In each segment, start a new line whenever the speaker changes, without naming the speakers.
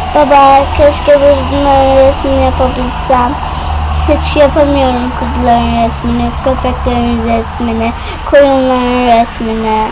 Baba, keşke bunların resmini yapabilsem. Hiç yapamıyorum kuzuların resmini, köpeklerin resmini, koyunların resmini,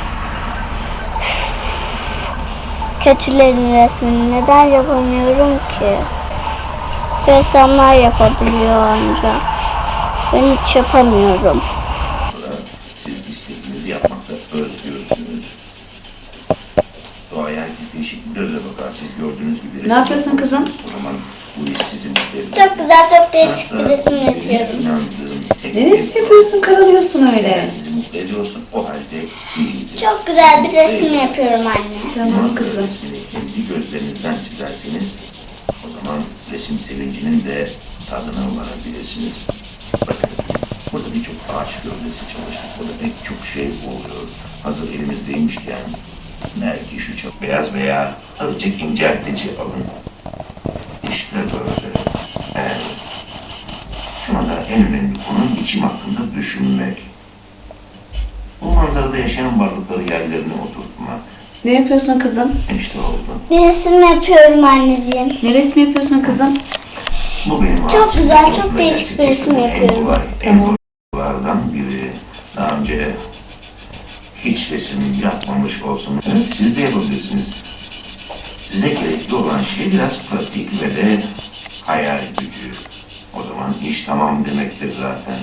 keçilerin resmini. Neden yapamıyorum ki? Ressamlar yapabiliyor ancak. Ben hiç yapamıyorum.
Siz istediğinizi yapmakta özgürsünüz. Doğaya değişik bir gözle bakarsınız. Gördüğünüz gibi...
Ne yapıyorsun kızım?
O zaman bu iş sizin...
Çok güzel, çok değişik bir resim yapıyorum.
Ne resim yapıyorsun, karalıyorsun öyle?
Sizi mutlu ediyorsun, o halde iyidir.
Çok güzel bir resim yapıyorum anne.
Tamam kızım.
Resmini kendi gözlerinizden çizerseniz, o zaman resim sevincinin de tadına varabilirsiniz. Bakın, burada birçok ağaç gövdesi çalıştık. Burada pek çok şey oluyor. Hazır elimizdeymişken, belki şu çok beyaz veya azıcık inceltici alın. İşte böyle. Evet. Şu anda en önemli konu biçim hakkında düşünmek. Bu manzarada yaşayan varlıkları yerlerine oturtmak.
Ne yapıyorsun kızım?
İşte oldu.
Bir resim yapıyorum anneciğim.
Ne resim yapıyorsun kızım?
Bu benim
Çok
aslında
güzel, çok
konusunda
değişik bir resim
gerçekleştirdiğim
yapıyorum.
En kolay,
Tamam.
en kolaylardan biri. Daha önce hiç resim yapmamış olsanız siz de yapabilirsiniz. Size gerekli olan şey biraz pratik ve de hayal gücü. O zaman iş tamam demektir zaten.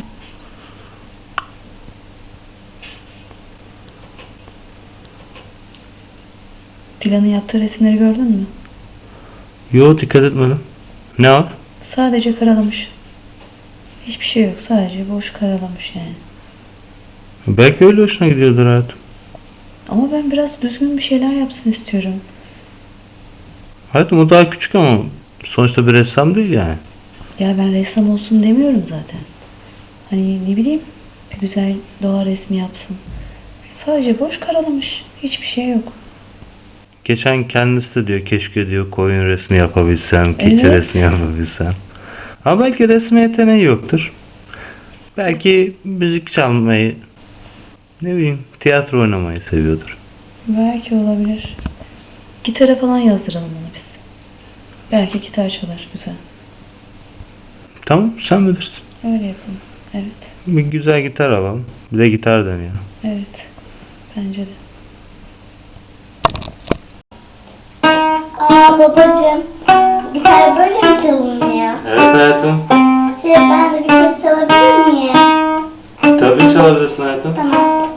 Dilan'ın yaptığı resimleri gördün mü?
Yo, dikkat etmedim. Ne var?
Sadece karalamış. Hiçbir şey yok. Sadece boş karalamış yani.
Belki öyle hoşuna gidiyordur hayatım.
Ama ben biraz düzgün bir şeyler yapsın istiyorum.
Hayatım o daha küçük ama sonuçta bir ressam değil yani.
Ya ben ressam olsun demiyorum zaten. Hani ne bileyim, bir güzel doğa resmi yapsın. Sadece boş karalamış. Hiçbir şey yok.
Geçen kendisi de diyor keşke diyor koyun resmi yapabilsem, keçi
Evet.
resmi yapabilsem. Ama belki resme yeteneği yoktur. Belki müzik çalmayı, ne bileyim tiyatro oynamayı seviyordur.
Belki olabilir. Gitara falan yazdıralım onu biz. Belki gitar çalar güzel.
Tamam, sen bilirsin.
Öyle yapalım. Evet.
Bir güzel gitar alalım. Bir de gitar deneyelim.
Evet. Bence de.
Aa babacığım, gitar böyle mi çalınıyor?
Evet hayatım.
Ben de bir kez çalabilir miyim?
Tabii çalabilirsin hayatım.
Tamam.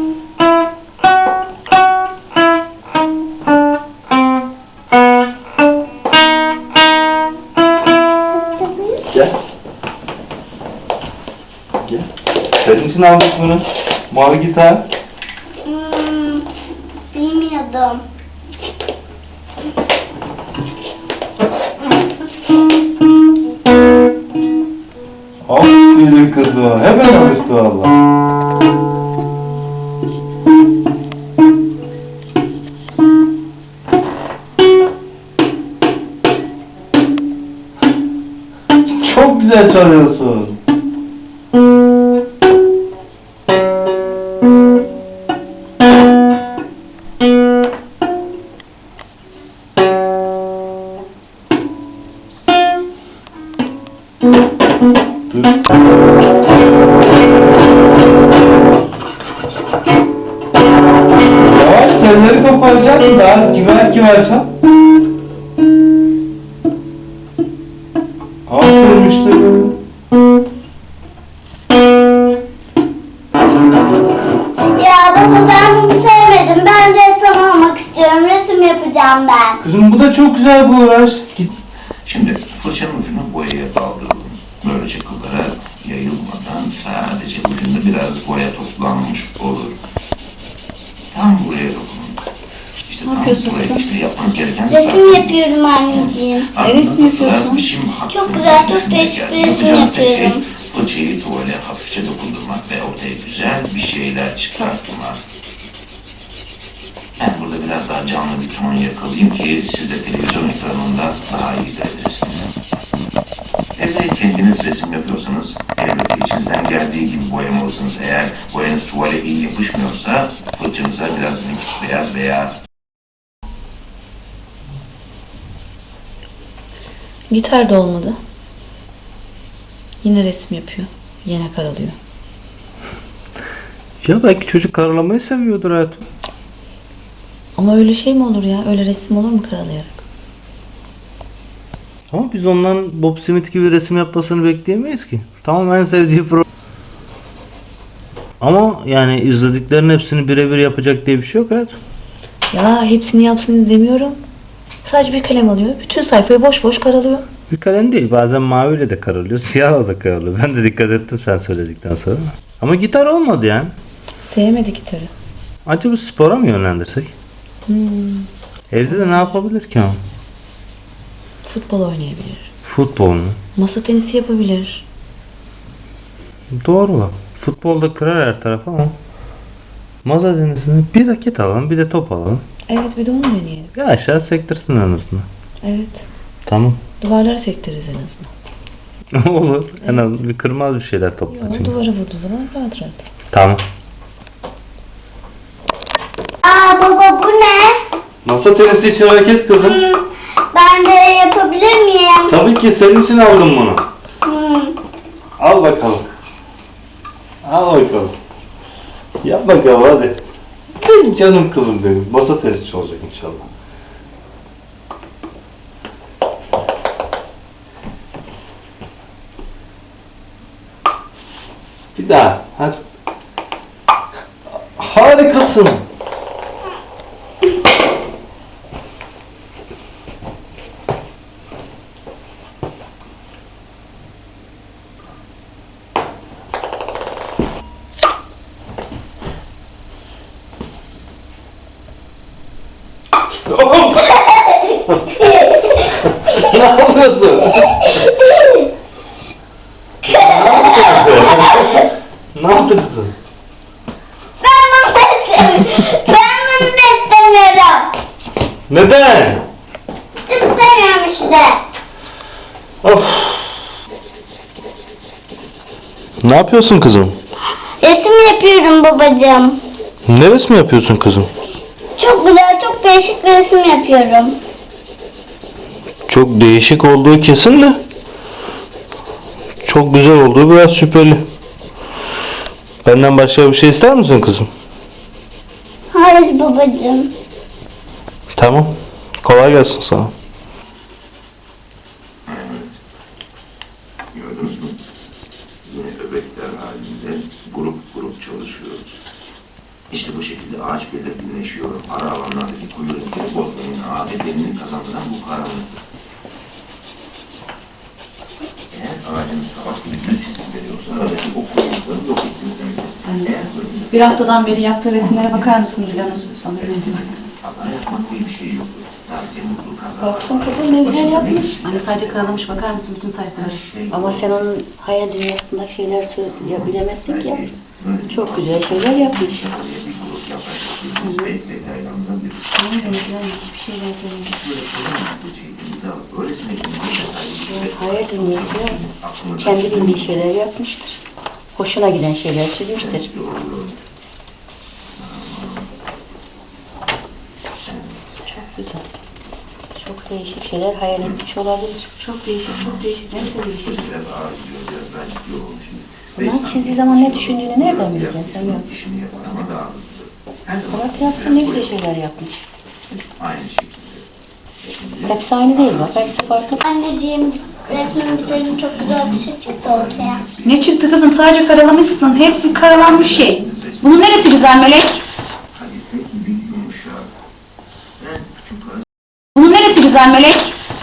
Gel. Gel. Senin için aldık bunu. Mavi gitar.
Bilmiyordum.
Aferin kızım. Hemen alıştı valla. Çok güzel çalıyorsun. Dur. Yavaş, telleri koparacaksın. Daha güver çal. Aferin işte böyle.
Ya baba, ben bunu sevmedim. Ben ressam olmak istiyorum. Resim yapacağım ben.
Kızım bu da çok güzel bir uğraş. Git.
Şimdi fırçanın ucunu boyaya daldıralım. Böylece kıllara yayılmadan sadece ucunda biraz boya toplanmış olur. Tam buraya dokunun. İşte tam
yapıyorsun
buraya
kızım?
işte yapmanız gereken...
Resim yapıyorum anneciğim.
Ne resmi yapıyorsun?
Çok güzel, çok değişik bir resim yapıyorum.
Fırçayı tuvale hafifçe dokundurmak ve ortaya güzel bir şeyler çıkartmak. Ben burada biraz daha canlı bir ton yakalayayım ki siz de televizyon ekranında daha iyi görebilirsiniz. Evde kendiniz resim yapıyorsanız elbette içinizden geldiği gibi boyamalısınız. Eğer boyanız tuvale iyi yapışmıyorsa fırçanıza biraz nakit beyaz veya
Gitar da olmadı. Yine resim yapıyor. Yine karalıyor.
Ya belki çocuk karalamayı seviyordur hayatım.
Ama öyle şey mi olur ya? Öyle resim olur mu karalayarak?
Ama biz ondan Bob Smith gibi resim yapmasını bekleyemeyiz ki. Tamam, en sevdiği pro. Ama yani izlediklerinin hepsini birebir yapacak diye bir şey yok hayatım.
Ya hepsini yapsın demiyorum. Sadece bir kalem alıyor. Bütün sayfayı boş boş karalıyor.
Bir kalem değil, bazen maviyle de karalıyor, siyahla da karalıyor. Ben de dikkat ettim sen söyledikten sonra. Ama gitar olmadı yani.
Sevmedi gitarı.
Acaba spora mı yönlendirsek? Evde de ne yapabilir ki ama?
Futbol oynayabilir.
Futbol mu?
Masa tenisi yapabilir.
Doğru bak. Futbolda kırar her taraf ama masa tenisini bir raket alalım, bir de top alalım.
Evet, bir de onu deneyelim.
Bir aşağı sektirsin en azından.
Evet.
Tamam.
Duvarlara sektiririz en azından.
Olur. En
Evet.
azından bir kırmaz bir şeyler topla
O
çünkü.
duvara vurduğu zaman rahat rahat.
Tamam.
Aa baba bu ne?
Masa tenisi için raket kızım.
Ben de yapabilir miyim?
Tabii ki senin için aldım bunu. Al bakalım. Al bakalım. Yap bakalım hadi. Benim canım kızım benim. Masa tenisi olacak inşallah. Bir daha. Hadi. Harikasın. Ne yapıyorsun? Ne yaptın kızım?
Ben bunu da istemiyorum.
Neden?
İstemiyorum işte.
Of. Ne yapıyorsun kızım?
Resim yapıyorum babacığım.
Ne resmi yapıyorsun kızım?
Çok güzel, çok değişik bir resim yapıyorum.
Çok değişik olduğu kesin de çok güzel olduğu biraz şüpheli. Benden başka bir şey ister misin kızım?
Hayır babacığım.
Tamam. Kolay gelsin sana.
Gördünüz mü? Yine öbekler halinde grup grup çalışıyoruz. İşte bu şekilde ağaç belirginleşiyor. Ara alanlardaki kuyu renkleri bozmayın. Adetlerini kazandıran bu karanlıktır. Eğer ağacın sabah gibi gül çizgi veriyorsa aradaki o kuyuları yok ettiğiniz demektir. Eğer bölümde
Bir haftadan beri yaptığı resimlere bakar mısın Dilan'ın?
hata yapmak diye bir şey yok. Sadece mutlu kazanmak.
Baksın kızım ne güzel yapmış. Anne sadece karalamış, bakar mısın bütün sayfaları? Ama sen onun hayal dünyasında şeyler bilemezsin ki yavrum. Çok güzel şeyler yapmış. Aynen canım, hiçbir şey benzemiyor. Evet, hayal dünyası ya. Kendi bildiği şeyler yapmıştır. Hoşuna giden şeyler çizmiştir. Çok güzel. Çok değişik şeyler hayal etmiş olabilir.
Çok değişik, çok değişik. Neresi değişik?
Bunlar çizdiği zaman ne düşündüğünü nereden bileceksin sen ya? Bırak yapsın, ne güzel şeyler yapmış.
Aynı şekilde.
Hepsi aynı değil bak, hepsi farklı.
Anneciğim resmimi bitirdim, çok güzel bir şey çıktı ortaya.
Ne çıktı kızım? Sadece karalamışsın. Hepsi karalanmış şey. Bunun neresi güzel Melek? Bunun neresi güzel Melek?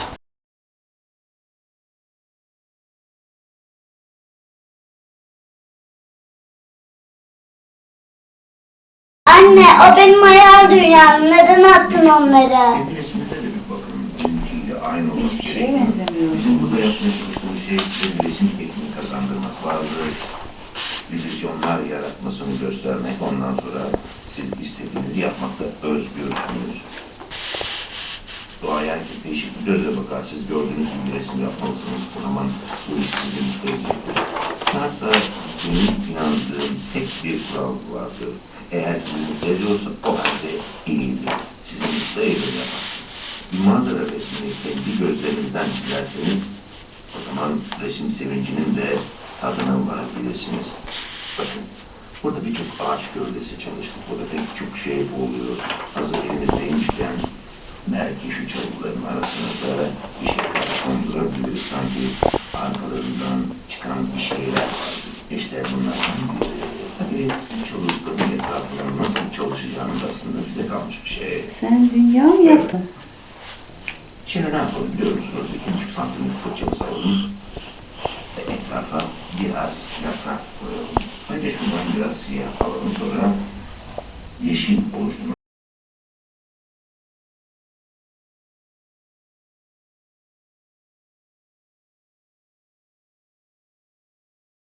Anne o benim hayal dünyam. Neden attın onları?
Resimde de bir bakın bizimkiyle aynı olması gerekiyor. Bizim burada yapmaya çalıştığımız şey bir resim tekniği kazandırmak, bazı illüzyonlar yaratmasını göstermek, ondan sonra siz istediğinizi yapmakta özgürsünüz. Doğaya değişik bir gözle bakar, siz gördüğünüz gibi resim yapmalısınız, o zaman bu iş sizi mutlu edecektir. Hatta benim inandığım tek bir kural vardır. Eğer sizi mutlu ediyorsa o halde iyidir. Sizi mutlu ediyor yapar. bir manzara resmini kendi gözlerinizden çizerseniz o zaman resim sevincinin de tadına varabilirsiniz. Bakın, burada birçok ağaç gövdesi çalıştık. Burada pek çok şey oluyor. Hazır elimizdeymişken belki şu çalıkların arasına da bir şeyler kondurabiliriz. Sanki arkalarından çıkan bir şeyler vardı. İşte bunlardan biri. Tabii çalıkların etrafından nasıl çalışacağınız aslında size kalmış bir şey.
Sen dünya mı yaptın?
Şimdi ne yapalım biliyor musunuz? 2,5 santimlik fırçamızı alalım. Ve etrafa biraz yaprak koyalım. Önce şundan biraz siyah alalım, sonra yeşil oluşturmak